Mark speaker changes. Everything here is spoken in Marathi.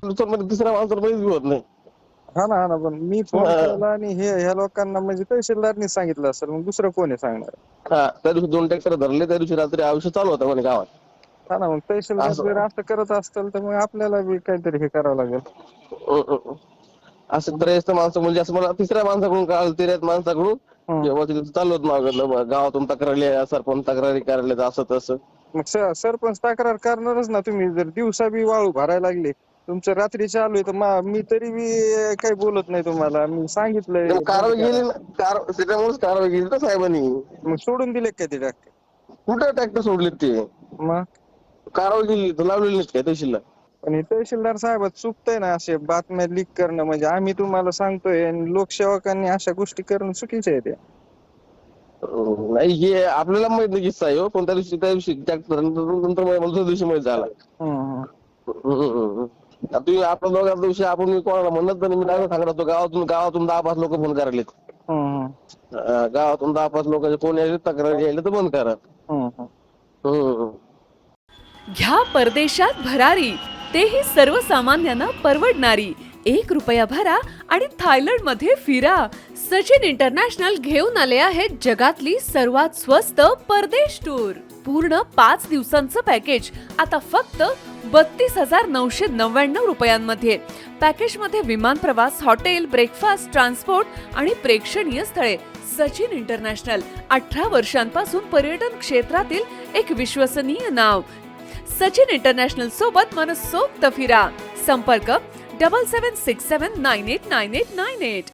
Speaker 1: दुसऱ्या तिसऱ्या माणसाला माहिती होत नाही.
Speaker 2: हा ना पण मी फोन केला आणि ह्या लोकांना म्हणजे तहसीलदारनी सांगितलं असेल, मग दुसरं कोणी सांगणार?
Speaker 1: हा, त्या दिवशी 2 ट्रॅक्टर धरले, त्या दिवशी रात्री आयुष्य चालू होतं म्हणे गावात.
Speaker 2: हा ना, मग तहसीलदार जर
Speaker 1: असं
Speaker 2: असं करत असतील तर मग आपल्याला बी काहीतरी हे करावं लागेल.
Speaker 1: असं त्रयस्थ माणसं म्हणजे असं मला तिसऱ्या माणसाकडून कळालं, तिऱ्यात माणसाकडून जेव्हा तिथे चालू होत मागं गावातून तक्रारी सरपंच तक्रारी करायला असं तसं.
Speaker 2: मग सरपंच तक्रार करणारच ना. तुम्ही जर दिवसा बी वाळू भरायला लागले, तुमचं रात्री चालू आहे, तर मी तरी बी काही बोलत नाही तुम्हाला. मी सांगितलंय
Speaker 1: मग
Speaker 2: बंद
Speaker 1: कारवाई
Speaker 2: करा.
Speaker 1: केली ना, त्याच्यामुळेच कारवाई केली ना साहेबांनी.
Speaker 2: मग सोडून दिले काय ते ट्रॅक्टर?
Speaker 1: कुठं ट्रॅक्टर सोडलेत ते?
Speaker 2: मग
Speaker 1: कारवाई केली तर लावलेली नाहीत काय तहसीलला?
Speaker 2: पण हे तहसीलदार साहेब चुकतंय ना, असे बातम्या लीक करणं. म्हणजे आम्ही तुम्हाला सांगतोय आणि लोकसेवकांनी अशा गोष्टी करणं चुकीचं आहे. ते
Speaker 1: नाही, हे आपल्याला माहित नाही किस्सा आहे हो, पण त्या दिवशी ट्रॅक्टर नंतर मला दुसऱ्या दिवशी माहित झाला. तुम्ही आपल्या दोघांच्या दिवशी आपण मी कोणाला म्हणत नाही, मी काय सांगत होतो, गावातून 10-5 लोक फोन करायलेत. गावातून 10-5 लोकांचे फोन यायले, तक्रार यायले तर बंद करा.
Speaker 3: घ्या परदेशात भरारी, तेही सर्वसामान्यांना परवडणारी. 1 रुपया भरा आणि थायलंड मध्ये फिरा. सचिन इंटरनॅशनल घेऊन आले आहेत जगातली सर्वात स्वस्त परदेश टूर. पूर्ण 5 दिवसांचं पॅकेज आता फक्त 32,999 रुपयांमध्ये. पॅकेज मध्ये विमान प्रवास, हॉटेल, ब्रेकफास्ट, ट्रान्सपोर्ट आणि प्रेक्षणीय स्थळे. सचिन इंटरनॅशनल 18 वर्षांपासून पर्यटन क्षेत्रातील एक विश्वसनीय नाव. सचिन इंटरनॅशनल सोबत मनसोक्त फिरा. संपर्क 7767989898.